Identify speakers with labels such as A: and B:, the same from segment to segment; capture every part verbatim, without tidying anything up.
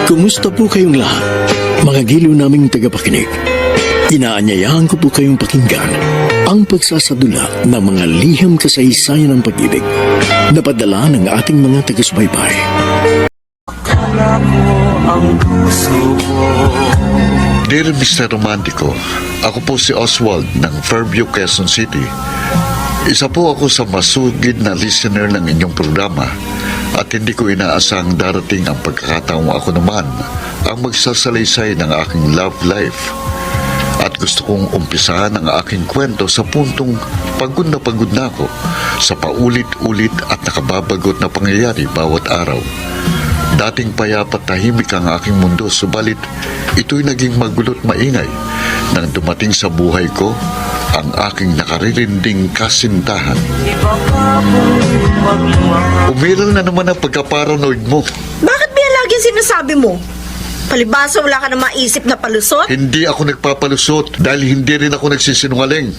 A: Kumusta po kayong lahat, mga giliw naming tagapakinig? Inaanyayahan ko po kayong pakinggan ang pagsasadula ng mga liham kasaysayan ng pag-ibig na padala ng ating mga taga-subaybay.
B: Dear Mister Romantico, ako po si Oswald ng Fairview, Quezon City. Isa po ako sa masugid na listener ng inyong programa at hindi ko inaasang darating ang pagkakataong ako naman ang magsasalaysay ng aking love life. At gusto kong umpisahan ang aking kwento sa puntong pagod na pagod na ako sa paulit-ulit at nakababagot na pangyayari bawat araw. Dating payapat tahimik ang aking mundo, subalit ito'y naging magulot maingay nang dumating sa buhay ko ang aking nakaririnding kasintahan. Umiral na naman ang pagka-paranoid mo.
C: Bakit ba yan laging sinasabi mo? Palibasa wala ka na maisip na palusot?
B: Hindi ako nagpapalusot dahil hindi rin ako nagsisinungaling.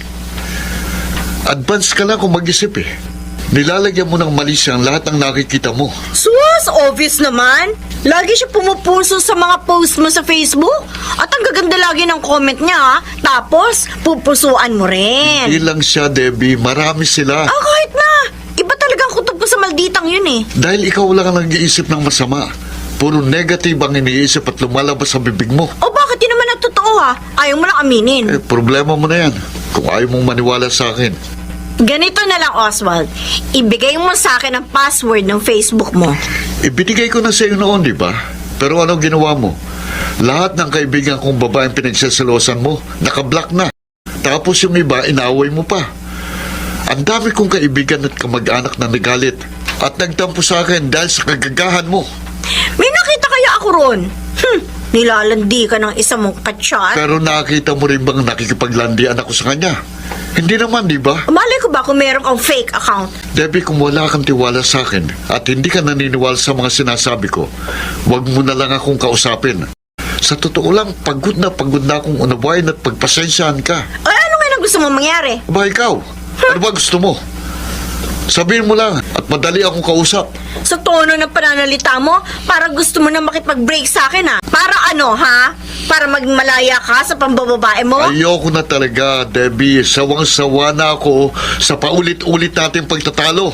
B: Advance ka lang kung mag-isip eh. Nilalagyan mo ng mali siyang lahat ng nakikita mo.
C: Sus, obvious naman. Lagi siya pumupuso sa mga post mo sa Facebook. At ang gaganda lagi ng comment niya, ha? Tapos, pupusuan mo rin.
B: Hindi lang siya, Debbie. Marami sila.
C: Ah, kahit na. Iba talagang kutob ko sa malditang yun eh.
B: Dahil ikaw lang ang nag-iisip ng masama. Puro negative ang iniisip at lumalabas sa bibig mo.
C: O bakit yun naman ang totoo, ha? Ayaw mo lang aminin.
B: Eh, problema mo na yan. Kung ayaw mong maniwala sa akin.
C: Ganito na lang, Oswald. Ibigay mo sa akin ang password ng Facebook mo.
B: Ibinigay ko na sa iyo noon, di ba? Pero ano ginawa mo? Lahat ng kaibigan kong babaeng pinagsasalosan mo, nakablock na. Tapos yung iba, inaway mo pa. Ang dami kong kaibigan at kamag-anak na nagalit at nagtampo sa akin dahil sa kagagahan mo.
C: May nakita kaya ako ron? Hmm, nilalandi ka ng isa mong kachat.
B: Pero nakita mo rin bang nakikipaglandian ako sa kanya? Hindi naman, di ba?
C: Malay ko ba kung meron kang fake account?
B: Debbie, kung wala kang tiwala sa akin at hindi ka naniniwala sa mga sinasabi ko, huwag mo na lang akong kausapin. Sa totoo lang, pagod na pagod na akong unawain at pagpasensyahan ka.
C: Ay, ano nga na gusto mo mangyari?
B: Ba ikaw? Ano ba gusto mo? Sabihin mo lang at madali akong kausap.
C: Sa tono ng pananalita mo, parang gusto mo na makipag-break sa akin, ha? Para ano, ha? Para maging malaya ka sa pambababae mo?
B: Ayoko na talaga, Debbie. Sawang-sawa na ako sa paulit-ulit nating pagtatalo.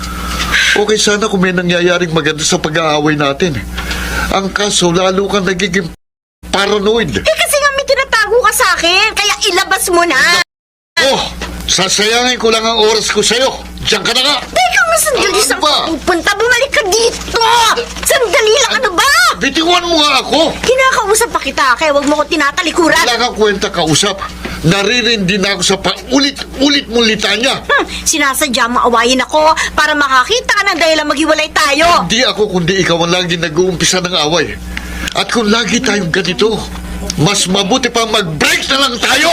B: Okay sana kung may nangyayaring maganda sa pag-aaway natin. Ang kaso, lalo kang nagiging paranoid.
C: Eh kasi nga may tinatago ka sa akin, kaya ilabas mo na.
B: Oh, sasayangin ko lang ang oras ko sa'yo. Diyan ka na nga.
C: Teka nga, sandali
B: Ano
C: saan
B: ba?
C: ka pupunta? Bumalik ka dito! Sandali lang, ano ba?
B: Bitiwan mo nga ako.
C: Kinakausap pa kita, kaya wag mo ko tinatalikuran.
B: Wala kang kwenta kausap. Naririndi na ako sa paulit-ulit mong litanya.
C: Hmm, sinasadya mo awayin ako para makakita ka ng dahilan maghiwalay tayo.
B: Hindi ako kundi ikaw ang lagi nag-uumpisa ng away. At kung lagi tayong ganito, mas mabuti pa mag-break na lang tayo.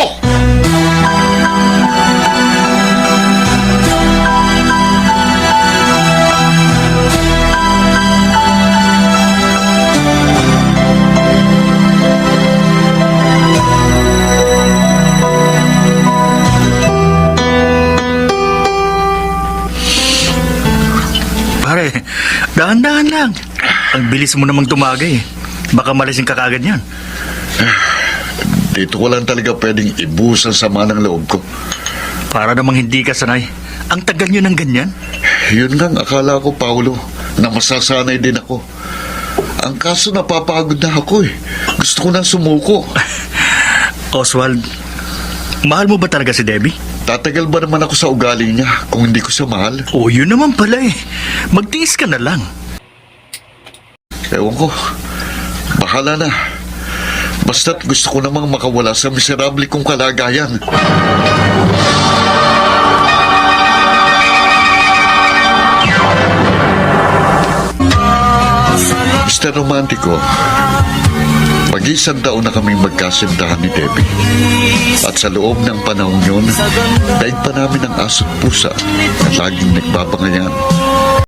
D: Pare, dahan-dahan lang. Ang bilis mo namang tumagay. Baka malising ka kagad yan.
B: Dito ko lang talaga pwedeng ibusan sa manang loob ko.
D: Para namang hindi ka sanay. Ang tagal nyo ng ganyan.
B: Yun nga ang akala ko, Paulo, na masasanay din ako. Ang kaso napapagod na ako eh. Gusto ko nang sumuko.
D: Oswald, mahal mo ba talaga si Debbie?
B: Tatagal ba naman ako sa ugali niya kung hindi ko siya mahal?
D: O yun naman pala eh. Magtiis ka na lang.
B: Ewan ko. Bahala na. Basta't gusto ko namang makawala sa miserable kong kalagayan. Mister Romantico, mag-isang taon na kaming magkasintahan ni Debbie. At sa loob ng panahon yun, daig pa namin ang aso't pusa na laging nagbabangayan.